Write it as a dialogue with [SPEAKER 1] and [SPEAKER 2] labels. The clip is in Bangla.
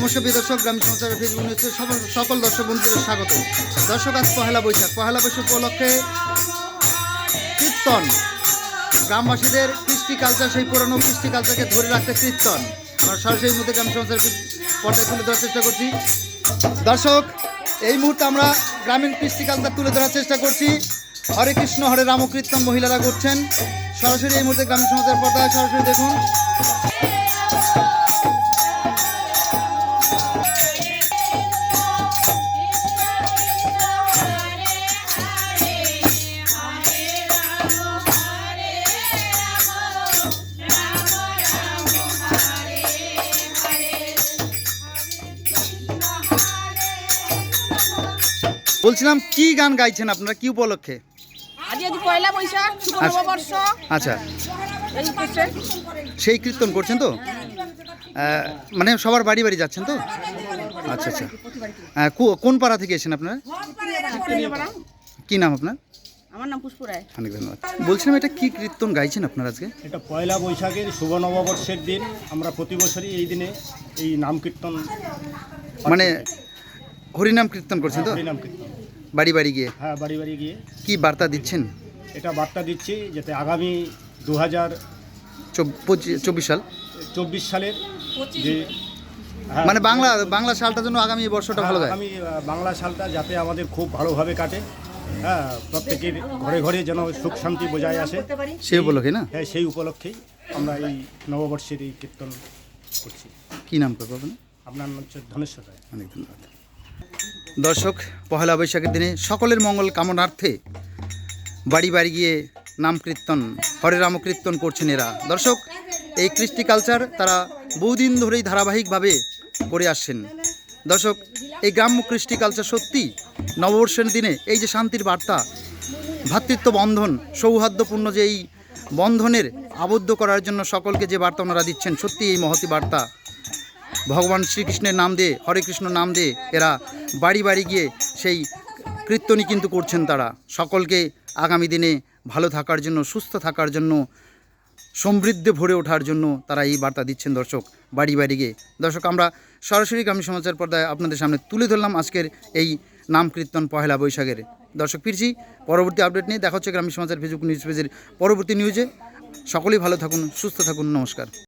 [SPEAKER 1] নমস্কার প্রিয় দর্শক, গ্রামীণ সমাচারের ফেসবুক নিউজে সকল দর্শক বন্ধুদের স্বাগত। দর্শক, আজ পহেলা বৈশাখ উপলক্ষে কীর্তন, গ্রামবাসীদের কৃষ্টি কালচার, সেই পুরনো কৃষ্টি কালচারকে ধরে রাখতে কীর্তন আমরা সরাসরি মধ্যে গ্রামীণ সমাচারের পর্দায় তুলে ধরার চেষ্টা করছি। দর্শক, এই মুহূর্তে আমরা গ্রামীণ কৃষ্টি কালচার তুলে ধরার চেষ্টা করছি। হরে কৃষ্ণ হরে রাম কীর্তন মহিলারা করছেন সরাসরি এই মুহূর্তে গ্রামীণ সমাচারের পর্দায়। সরাসরি দেখুন। বলছিলাম, কি গান গাইছেন আপনারা, কি উপলক্ষে?
[SPEAKER 2] পয়লা বৈশাখ, শুভ নববর্ষ।
[SPEAKER 1] আচ্ছা, সেই কীর্তন করছেন তো? মানে সবার বাড়ি বাড়ি যাচ্ছেন তো? আচ্ছা আচ্ছা। কোন পাড়া থেকে এসেছেন আপনারা? কি নাম আপনার?
[SPEAKER 2] আমার নাম পুষ্প রায়।
[SPEAKER 1] অনেক ধন্যবাদ। বলছিলাম, এটা কি কীর্তন গাইছেন আপনারা আজকে?
[SPEAKER 3] এটা পয়লা বৈশাখের শুভ নববর্ষের দিন। আমরা প্রতি বছরই এই দিনে এই নাম কীর্তন,
[SPEAKER 1] মানে হরিনাম কীর্তন করছেন তো?
[SPEAKER 3] হরিনাম কীর্তন
[SPEAKER 1] বাড়ি বাড়ি গিয়ে?
[SPEAKER 3] হ্যাঁ, বাড়ি বাড়ি গিয়ে।
[SPEAKER 1] কি বার্তা দিচ্ছেন?
[SPEAKER 3] এটা বার্তা দিচ্ছি যাতে আগামী
[SPEAKER 1] 2024 সাল
[SPEAKER 3] 24 সালের যে
[SPEAKER 1] মানে বাংলা সালটা যেন আগামী বর্ষটা ভালো যায়।
[SPEAKER 3] আগামী বাংলা সালটা যাতে আমাদের খুব ভালোভাবে কাটে। হ্যাঁ, প্রত্যেকের ঘরে ঘরে যেন সুখ শান্তি বজায় আসে,
[SPEAKER 1] সেই উপলক্ষে না?
[SPEAKER 3] হ্যাঁ, সেই উপলক্ষেই আমরা এই নববর্ষের এই কীর্তন করছি।
[SPEAKER 1] কি নাম করবো আপনার?
[SPEAKER 3] আপনার নাম হচ্ছে ধনেশ্বর রায়।
[SPEAKER 1] অনেক ধন্যবাদ। দর্শক, পহেলা বৈশাখের দিনে সকলের মঙ্গল কামনার্থে বাড়ি বাড়ি গিয়ে নাম কীর্তন, হরে রাম কীর্তন করছেন এরা। দর্শক, এই কৃষ্টি কালচার তারা বহুদিন ধরেই ধারাবাহিকভাবে করে আসছেন। দর্শক, এই গ্রাম্য কৃষ্টি কালচার সত্যি নববর্ষের দিনে এই যে শান্তির বার্তা, ভ্রাতৃত্ব বন্ধন, সৌহার্দ্যপূর্ণ যে এই বন্ধনের আবদ্ধ করার জন্য সকলকে যে বার্তা ওনারা দিচ্ছেন, সত্যি এই মহতি বার্তা। ভগবান শ্রীকৃষ্ণের নাম দিয়ে, হরে কৃষ্ণ নাম দিয়ে এরা বাড়ি বাড়ি গিয়ে সেই কীর্তনই কিন্তু করছেন। তারা সকলকে আগামী দিনে ভালো থাকার জন্য, সুস্থ থাকার জন্য, সমৃদ্ধে ভরে ওঠার জন্য তারা এই বার্তা দিচ্ছেন দর্শক, বাড়ি বাড়ি গিয়ে। দর্শক, আমরা সরাসরি গ্রামীণ সমাচার পর্দায় আপনাদের সামনে তুলে ধরলাম আজকের এই নাম কীর্তন পহেলা বৈশাখের। দর্শক, ফিরছি পরবর্তী আপডেট নিয়ে। দেখা হচ্ছে গ্রামীণ সমাচার ফেসবুক নিউজ পেজের পরবর্তী নিউজে। সকলেই ভালো থাকুন, সুস্থ থাকুন। নমস্কার।